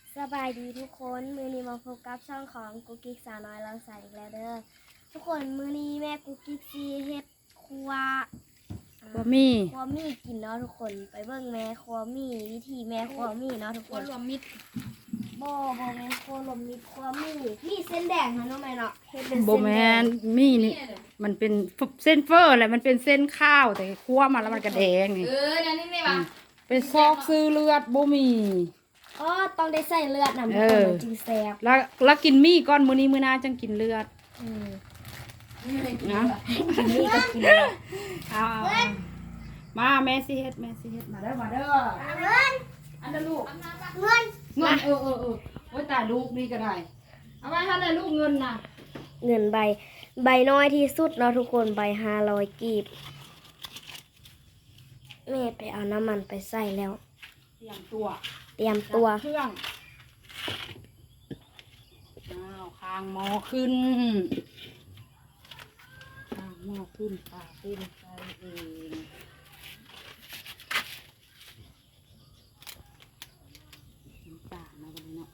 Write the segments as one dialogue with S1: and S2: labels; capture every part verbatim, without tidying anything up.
S1: สบายดีทุกคนมือนี้มาพบกับช่องของกุ๊กกิ๊กสาวน้อยเราใส่อีกแล้วเด้อทุกคนมือนี้แม่กุ๊กกิ๊กซีเฮ็ดครัว
S2: บะหมี่
S1: ครัวมี่กินเนาะทุกคนไปเบิ่งแม่ครัวมี่วิธีแม่ครัวมี่เนาะทุก
S2: ค
S1: คน
S2: รวมมิตร
S1: บ่บ่แม่ครัวลมมีครัวมี่มีเส้นแดงค่ะน้องแม่เนาะเฮ็ดเป็น
S2: โบ
S1: เส้น
S2: แม
S1: แดง
S2: นมี่นี่มันเป็นเส้นเฟอร์แหละมันเป็นเส้นข้าวแต่คั่วมาแล้วมันกระแดงนี่
S3: เออนั่นนี่ไม่ว่า
S2: เป็นซอกซื้อเลือดบะหมี่
S1: อ๋อต้องได้ใส่เลือดนำทุก
S2: เอ
S1: คน
S2: อ
S1: มันจึงแซ่บ
S2: แล้วแล้วกินมี่ก้อนมื้อนี้มื้อหน้าจังกินเลือด
S1: อืม
S2: นะ
S1: กินนี่ก็กินเลือด
S2: เอาเอาเอามาแม่สิเฮ็ดแม่สิเฮ็ดมาเด้อมาเด้อ
S1: เงิน
S2: อันนั้นลูก
S1: เงิน
S2: เงินเออเออเออโอ้ยตายลูกนี่ก็ได้เอาไว้ให้เลยลูกเงินน่ะ
S1: เงินใบใบน้อยที่สุดเนาะทุกคนใบห้าร้อยกีบแม่ไปเอาน้ำมันไปใส่แล้ว
S2: เตรียมตัว
S1: เตรียมตัว
S2: เครื่องอ้าวคางหม้อขึ้นคางหม้อขึ้นปลาขึ้นใส่เองน้ำตาลนะวันนี้เนาะ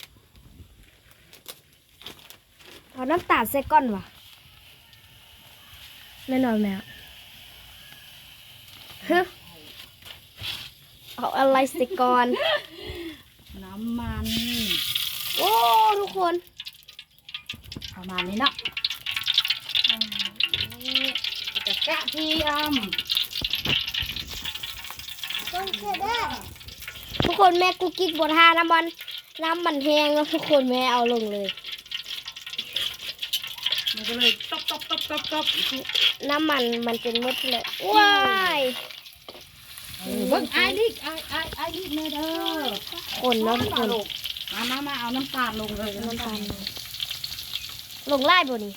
S1: เอาน้ำตาลใส่ก้อนวะแม่นอนแมวฮึเอาอะไรใส่ก่อน
S2: น้ำมัน
S1: โอ้ทุกคน
S2: ประมาณนี้เนาะนี่จะกระเทียม
S1: ทุกคนแม่กุ๊กกิ๊กบดทาน้ำมันน้ำมันแห้งแล้วทุกคนแม่เอาลงเลย
S2: มันก็เลยตบตบตบตบตบ
S1: น้ำมันมันเป็นมดเลยว้าย
S2: เออเบิ่งไอ้ดิไอ้ไอ้ไอ้ดิแม่เด้อ
S1: คนเนาะทุกคน
S2: มามามาเอาน้ำตาลลงเลย
S1: น้ำตาลลงไล่บ่นี่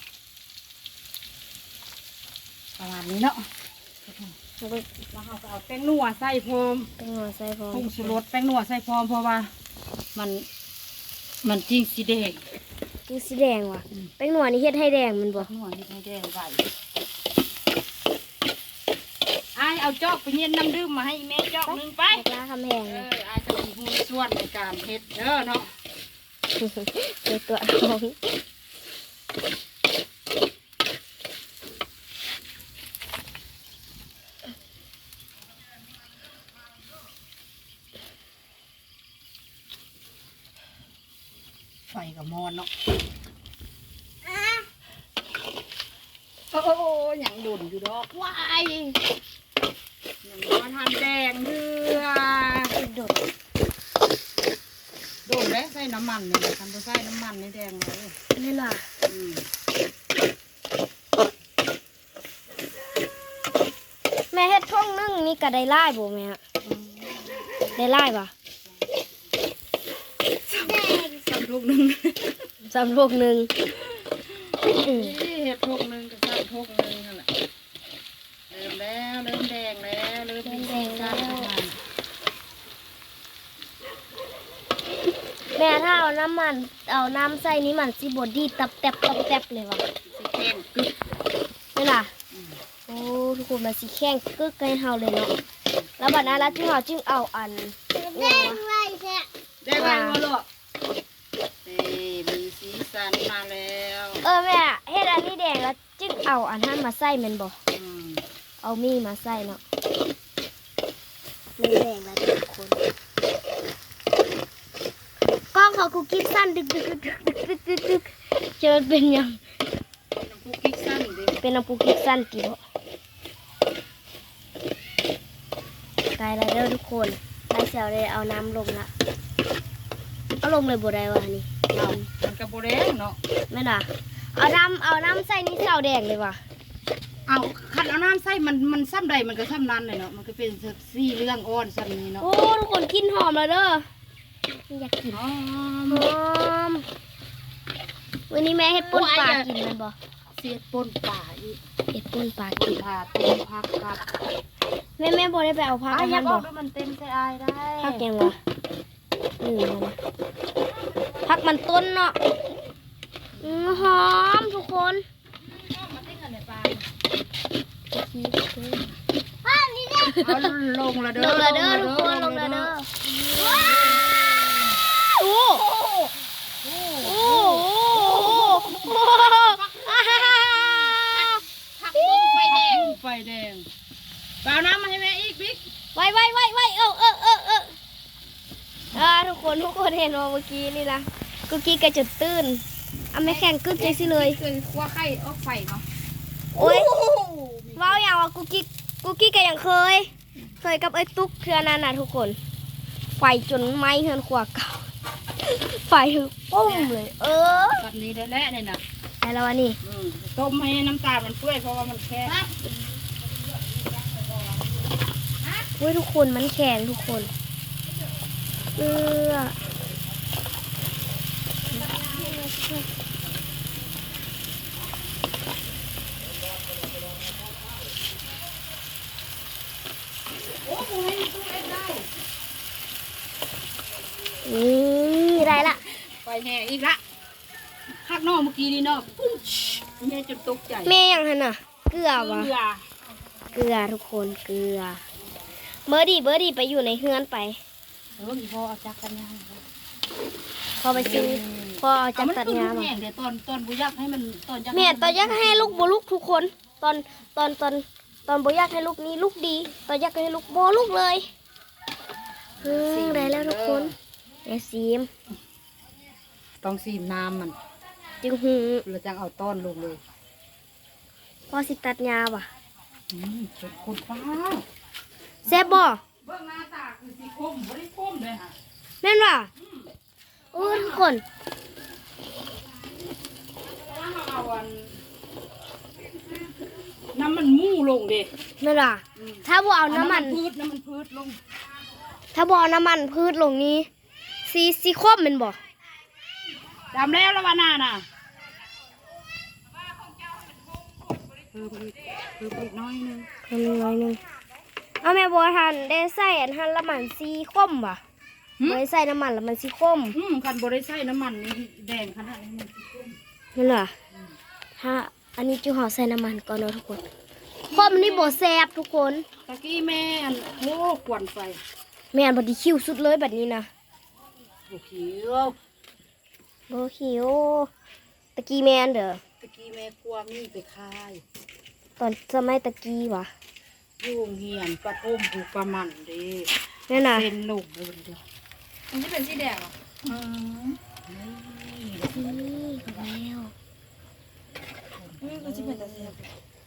S2: ประมาณนี้เนาะแล้วเราก็เอาแป้งนัวใส่พร้อม
S1: เป็นหัวใส่พร้อม
S2: ผงชูรสแป้งนัวใส่พร้อมเพราะว่ามันมันจริงสีแดง
S1: คือสีแดงว่ะเป็นหัวนี่เฮ็ดให้แดงมันบ่
S2: นัวนี่ไม่แดงไหวไอ้เอาจอกไปเย็นน้ำดื่มมาให้แม่จอกหนึงไป
S1: แม่กล้าคำแหง
S2: เอ
S1: นะ
S2: อไอ้จะมีหุ้นส่วนในการเฮ็ดเด้อเนาะ
S1: เดี๋ยวตัวน้อง
S2: ไฟกับมอนเนาะโอ้โหยังดุนอยู่ดอกว้ายยังมาทานแดงเดือ
S1: โดด
S2: โดนแล้วใส่น้ำมันเนี่ยทำไปใส่น้ำมันในแดงเลย
S1: นี่ล่ะ
S2: อืม
S1: แม่เฮ็ดท่องนึ่งนี่ก็ได้ไล่บ่แม่ได้ไล่ป่ะ
S2: สักลูกหนึ่ง
S1: สำลูกหนึ่งอืม
S2: นี่เห็ดทกหนึ่งกับสักทกหนึ่งนั่นแหละเริ่มแล้วเริ่มแดงแล้วเริ่มมีสีสันขึ้นมา
S1: แม่ถ้าเอาน้ำมันเอาน้ำใส่นี่มันสิบดดีตับแตบตับแตบเลยว่ะ
S2: สีแข็งกึก
S1: นี่ล่ะโอ้ทุกคนมันสิแข็งกึกให้เฮาเลยเนาะแล้วบัดนั้นแล้วที่เฮาจึงเอาอันแดงไว้แท้
S2: ได้ไหมวะลูกนี่มีสีสันมาแล้ว
S1: เออแม่เฮ็ดอันนี้แดงแล้วจึงเอาอันนั้นมาใส่แม่นบ่
S2: อืม
S1: เอามีมาใส่เนาะมันแดงแล้วทุกคนกล้องเขากูกิ๊กสั้นดึกดึกดึกดึกดึกดึกดึกจะมันเป็นยัง
S2: น้ำพุกิ๊กสั้นดิ
S1: เป็นน้ำปูกิ๊กสั้นกี่บ่ไกลแล้วเด้อทุกคนได้เสียวเลยเอาน้ำลงละเอาลงเลยบ่ได้วะนี่
S2: เอามันกระโบแดงเนาะ
S1: แม่น่ะเอาน้ำเอาน้ำใส่นี่เสียวแดงเลยว่ะ
S2: เอาคันเอาน้ำใส่มันมันซ้ำใดมันก็ซ้ำนั้นเลยเนาะมันก็เป็นสีเรื่องอ่อนซ้ำนี้เนาะ
S1: โอ้ทุกคนกินหอมแล้วเด้ออยากกิน
S2: อ๋อ
S1: หอมวันนี้แม่เฮ็ดป่นปลากินแมันบ่
S2: เสียดปนป่าอีก
S1: เฮ็ดป่นปลากิน
S2: ผ่าต้มผักกับ
S1: แม่แม่บ่ได้ไปเอาผัก
S2: อ้าย
S1: อัน
S2: อย่า
S1: นั้น
S2: บอ
S1: บ่
S2: กว่ามันเต็มใส่อายได้
S1: ผักแกงวะหนึ่งแล้วนะผักมันต้นเนาะอืมหอมทุกคน
S2: มาติ้งกันในปลา
S1: ป้านี่เนี่ย
S2: เอาลงละเด้อ
S1: ลงละเด้อทุกคนลงละเด้อว้าวโอ้อ่าทุกคนทุกคนเห็นว่าเมื่อกี้นี่นะกุกกี้กระจุดตื้นเอาไม่แข่งกึกเลยสิเลย
S2: เคยคั่วไข่ออกไฟเนาะ
S1: โอ้ยว้าวอย่างว่ากุกกี้กุกกี้ก็ยังเคย เคยกับไอ้ตุ๊กเทือนั้นน่ะทุกคนไฟจนไหม้เฮือนขวาเก่าไฟถึงปุ้มเลย เออ
S2: แบบนี้ได้แล้วเนี่ยนะ
S1: ไอ้แล้วอันนี้
S2: อืมต้มให้น้ำตาลมันเปื่อยเพราะว่ามันแข็ง
S1: เว้ยทุกคนมันแข็งทุกคนเออนี่ได้ละ
S2: ไฟแห้งอีกละข้างนอกเมื่อกี้นี่เนาะปุ้มแม่จนตกใจ
S1: แม่ยังหันน่ะ เกลือวะ
S2: เกลือ
S1: เกลือทุกคนเกลือเบอร์ดี้เบอร์ดี้ไปอยู่ในเฮือนไป
S2: เอออีพ่อเอาจักกันยัง
S1: พอไปซื้อพอเอาจากตัดงา
S2: เอ
S1: มา
S2: แห้งเดี๋ยวตอนตอนบุยักให้มันตอนยัก
S1: แม่ตอนยักให้ลูกบลูกทุกคน ตอนตอนตอนตอนบยักให้ลูกนี้ลูกดี ตอนยักให้ลูกบลูกเลยอืมได้แล้วทุกคนแม่ซีม
S2: ต้องซีมน้ำมัน
S1: จึงหู
S2: เราจะเอาต้อนลงเลย
S1: พอสิตัดงาว่ะ
S2: อืมจนคนฟ้า
S1: แซ่บบ่
S2: เบื้องหน้าตาคือสีคมไม่ได้คมเลยค่ะ
S1: แม่นว่ะโอ้ทุกคน
S2: ถ้าเราเอาอันน้ำมันมู่ลงดิ
S1: แม่นว่ะถ้าบ่เอาน้ำมัน
S2: พืชน้ำมันพืชลง
S1: ถ้าบ่เอาน้ำมันพืชลงนี้ซีซีคมแมันบ่
S2: ดำแล้วละวานาน่ะเพิ่มอีกเพิ่มอีกน้อยนึง
S1: ทำน้อยหนึงเอาแม่บัวทันได้ใส่อันทันละมันซีคมว่ะบ่ได้ใส่น้ำมันละมันซีคม
S2: อืมคันบริใส่น้ำมันนี่แดงขนาดนี้มันสิคม
S1: นั่นเหรอถ้าอันนี้จิ๋วห่อใส่น้ำมันก่อนเนาะทุกคนคมนี่บ่แซ่บทุกคน
S2: ตะกี้แม่อันโอ้ควันไฟ
S1: แม่นบ่ไดีคิวสุดเลยแบบนี้นะ
S2: โอ้เขียว
S1: บ่คิวตะกี้แม่นเด้อ
S2: ตะกี้แม่กลัวมีไปคาย
S1: ตอนสมัยตะกี้ว่ะ
S2: ยุ่งเหียนปลาต้มผูกปลามันเดิ
S1: นั่นน่ะ
S2: เป็นหนุ่มเลยเดียวมันจะเป็นสีแดงเหรออืมนี่
S1: นี่ก็แล้ว
S2: นี่ก็จะเป็นตะเสียบ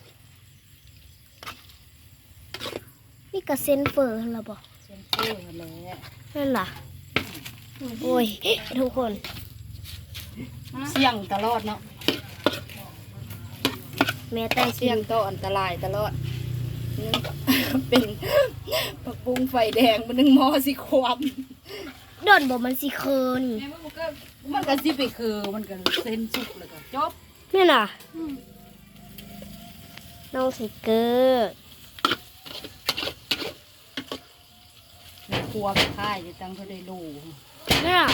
S1: นี่ก็เส้นเฟอร์หั่นล่ะบ่
S2: เส้นเฟ้อแหละ
S1: นั่นล่ะโอ้ยทุกคน
S2: เสี่ยงตลอดเนาะ
S1: แม่แต่ง
S2: เสี่ยงต่ออันตรายตลอดนี่เป็นผักบุ้งไฟแดงมันนึงหมอสิความ
S1: โดนบ่มันสิเคิน
S2: มันก็สิไปคือมันก็เส้นสุกเลยก็จบ
S1: นี่น่ะน้องไทเกอร์
S2: ครัวไปค่ายจะตั้งเขาได้รู้
S1: นี่น่ะ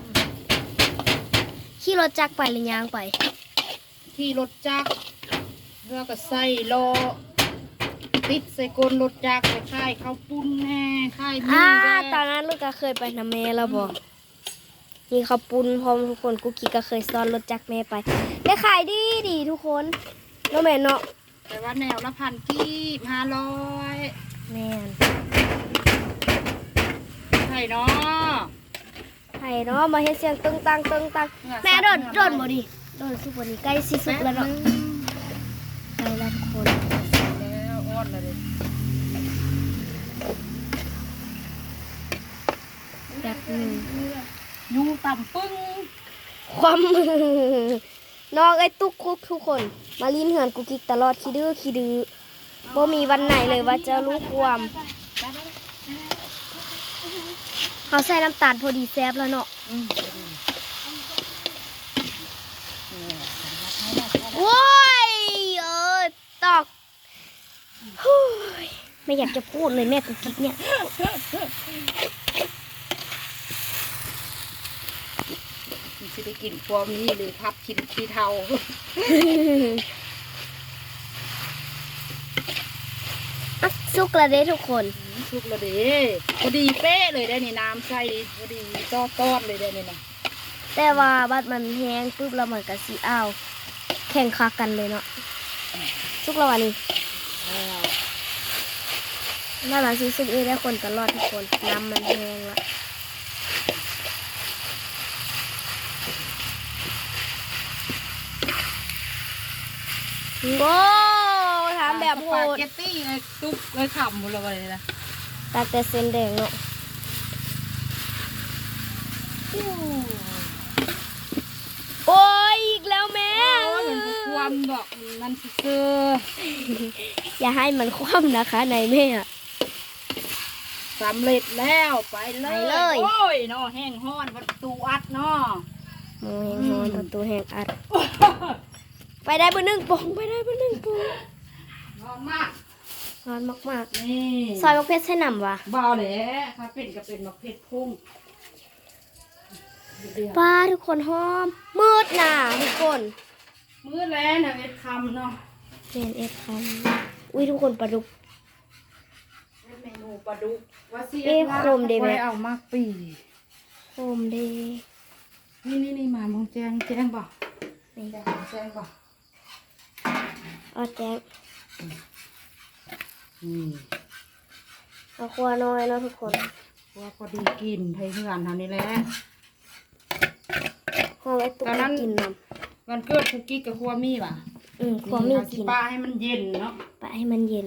S1: ขี่รถจักรไปหรือยางไป
S2: ที่รถจักรเรือก็ใส่ล้อติดใส่กลรถจักรไปค่ายข้าวปุ้นแน่ค่ายมี
S1: อ่า
S2: แน่
S1: ตอนนั้นลูกก็เคยไปนำแม่แล้วบอกนี่เขาวปุ้นพร้อมทุกคนกุ๊กกี้ก็เคยซ้อนรถจักรแม่ไปได้ขายดีดีทุกคนเนาะแม่เนาะ
S2: แต่ว่าแนวละพันกีบห้าร้อย
S1: แม่น
S2: ใช่เนาะ
S1: ไห้เนาะมาเฮ็ดเสียงตึงตังตึงตังแม่โดนโดนบ่ดิโดนสุกบ่ดิใกล้สิสุกแล้วเนาะใกล้แล้วทุกคน
S2: แล้วอ้อนเลย
S1: แบบหนึง
S2: ยูต่ำปึ้ง
S1: ความมือน้องไอ้ตุ๊กคุกทุกคน มาลิ้นเหือนกุ๊กกิ๊กตลอดขี้ดื้อขี้ดื้อบ่มีวันไหนเลยว่าจะรู้ความเขาใส่น้ำตาลพอดีแซ่บแล้วเนาะ
S2: อืม
S1: โว้ยเออตอกฮู้ยไม่อยากจะพูดเลยแม่กุ๊กกิ๊กเนี่ย
S2: มันจะได้กินความนี้เลยพับกินขี้เทา
S1: อ่ะสุกแล้วเด้ทุกคน
S2: สุกแล้วเด้พอดีเป๊ะเลยได้นี่น้ำใส่พอดีต้อต้อนเลยได้นี่นะ
S1: แต่ว่าบัดมันแห้งปุ๊บแล้วมันก็สิอ้าวแข่งคักกันเลยเนาะสุกแล้ววันนี้น่ารักสิสุกเองได้คนตลอดทุกคนน้ำมันแห้งละโว้ทำแบบโห
S2: สปา
S1: ด
S2: เกตตี้เลยตุ๊กเลยขำหมดเลยนะ
S1: ตัดแต่เส้นแดงเนาะโอ้ยอีกแล้วแม่
S2: โอ้ยมันก็ความดอกมันเสือ
S1: อย่าให้มันคว่ำนะคะนายแม่
S2: สำเร็จแล้วไปเลย
S1: ไปเลย
S2: โอ้ยเนาะแห้งห้อนประตูอัดเนาะ
S1: โอ้ยนอนประตูแหกอัด ไปได้เบอร์หนึ่งปองไปได้เบอร์หนึ่งปอง
S2: ร้อนมาก
S1: ร้อนมาก
S2: นี่
S1: ๆซอยมะเพชรใช่หนำวะ
S2: เบาแหละถ้าเป็นก็เป็นมะเพ็ดพุ่งเดือด
S1: ป้าทุกคนหอมมืดหนาทุกคน
S2: มื้อแล้วนะเอ็ดคำเนาะ
S1: เรียนเอฟคันอุ้ยทุกคนปลาดุก
S2: เมนูปลาดุกว่าเสีย
S1: เอ๊ะโคมดีไหม
S2: เอามากปี
S1: โฮมเดย์
S2: นี่นี่นี่มามองแจงแจงป่ะ
S1: นี่
S2: แจงแจงป่ะ
S1: เอาแจ๊ก
S2: อืม
S1: เอาครัวน้อยเนาะทุกคน
S2: ว่าพอดีกินไทยเพื่อนเท่านี้แหละ
S1: หอมไอ้ตุ๊ก
S2: ตอนนั้น
S1: กินน้
S2: วันเกิดคุกกี้กับครัวมี่ป่ะ
S1: ำอืมครัวมี
S2: เอาสิ
S1: กิน
S2: ป้าให้มันเย็นเนาะ
S1: ไปให้มันเย็น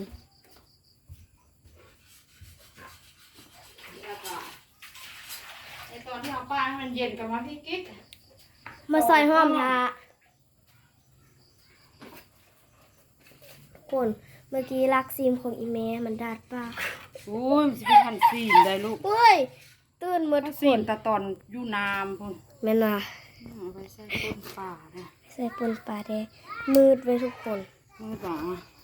S2: ไอตอนที่เอาป้าให้มันเย็นกับมาพี่กิ๊ก
S1: มาซอยหอมทาทุกคนเมื่อกี้ลักซีมของอีแม่มันดาดปาก
S2: โอ้ยมันจะไปทันซีนได้ลูก
S1: เฮ้ยตื่นมืด
S2: ทั
S1: ทุ
S2: น
S1: ก
S2: ซี
S1: คน น
S2: แต่ตอนอยู่น้ำพุ่น
S1: แม่นว่า
S2: เอาไปใส่ต้นป่าเนี่ย
S1: ใส่ปนปลาแดงมืดไว้ทุกคน
S2: มือป่า